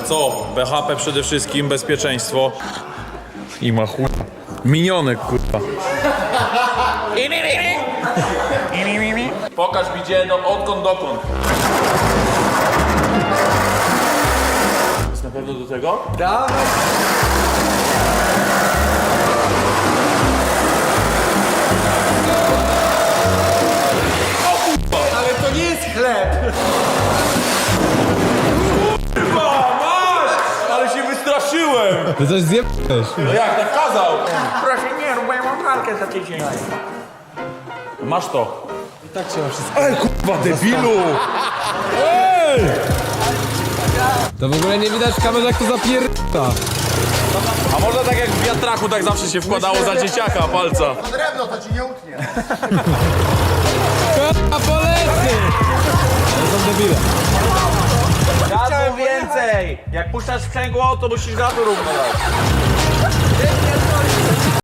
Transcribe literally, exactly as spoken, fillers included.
Co? B H P przede wszystkim, bezpieczeństwo. I ma chuj. Minionek, kurwa. Pokaż mi gdzie, no odkąd dokąd. Jest na pewno do tego? Dawaj. Ale to nie jest chleb! Kurwa, masz! Ale się wystraszyłem! Ty coś zjebałeś. No jak, tak kazał? Proszę nie rób, bo ja mam walkę za tydzień. Masz to. I tak się ma wszystko. Ej, kurwa, debilu! Ej! To w ogóle nie widać w kamerze, jak to zapierda. A można tak jak w wiatraku, tak zawsze się wkładało za dzieciaka palca. Drewno to ci nie utnie. A polecę! To są debile. Gazu więcej! Jak puszczasz sprzęgło, to musisz gazu równo dać.